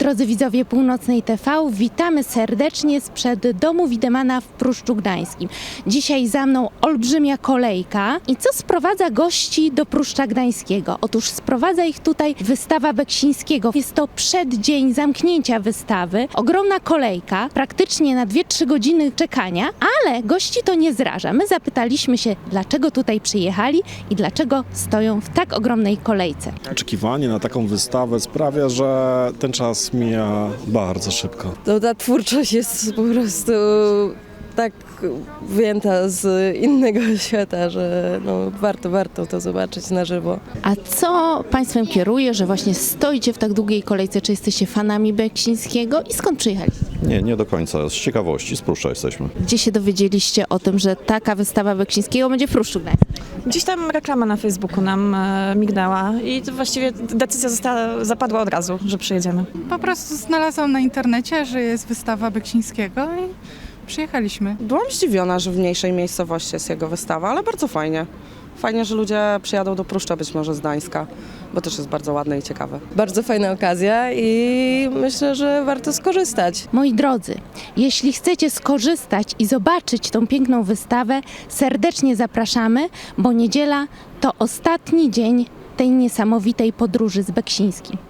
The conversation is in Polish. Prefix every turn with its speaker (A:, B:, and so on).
A: Drodzy widzowie Północnej TV, witamy serdecznie sprzed domu Widemana w Pruszczu Gdańskim. Dzisiaj za mną olbrzymia kolejka. I co sprowadza gości do Pruszcza Gdańskiego? Otóż sprowadza ich tutaj wystawa Beksińskiego. Jest to przeddzień zamknięcia wystawy. Ogromna kolejka, praktycznie na 2-3 godziny czekania, ale gości to nie zraża. My zapytaliśmy się, dlaczego tutaj przyjechali i dlaczego stoją w tak ogromnej kolejce.
B: Oczekiwanie na taką wystawę sprawia, że ten czas mija bardzo szybko.
C: Ta twórczość jest po prostu tak wyjęta z innego świata, że warto to zobaczyć na żywo.
A: A co Państwem kieruje, że właśnie stoicie w tak długiej kolejce? Czy jesteście fanami Beksińskiego i skąd przyjechaliście?
D: Nie do końca. Z ciekawości, z Pruszcza jesteśmy.
A: Gdzie się dowiedzieliście o tym, że taka wystawa Beksińskiego będzie w Pruszczu Gdańskim?
E: Gdzieś tam reklama na Facebooku nam mignęła i to właściwie decyzja zapadła od razu, że przyjedziemy.
F: Po prostu znalazłam na internecie, że jest wystawa Beksińskiego i przyjechaliśmy.
G: Byłam zdziwiona, że w mniejszej miejscowości jest jego wystawa, ale bardzo fajnie. Fajnie, że ludzie przyjadą do Pruszcza być może z Gdańska, bo też jest bardzo ładne i ciekawe.
C: Bardzo fajna okazja i myślę, że warto skorzystać.
A: Moi drodzy, jeśli chcecie skorzystać i zobaczyć tą piękną wystawę, serdecznie zapraszamy, bo niedziela to ostatni dzień tej niesamowitej podróży z Beksińskim.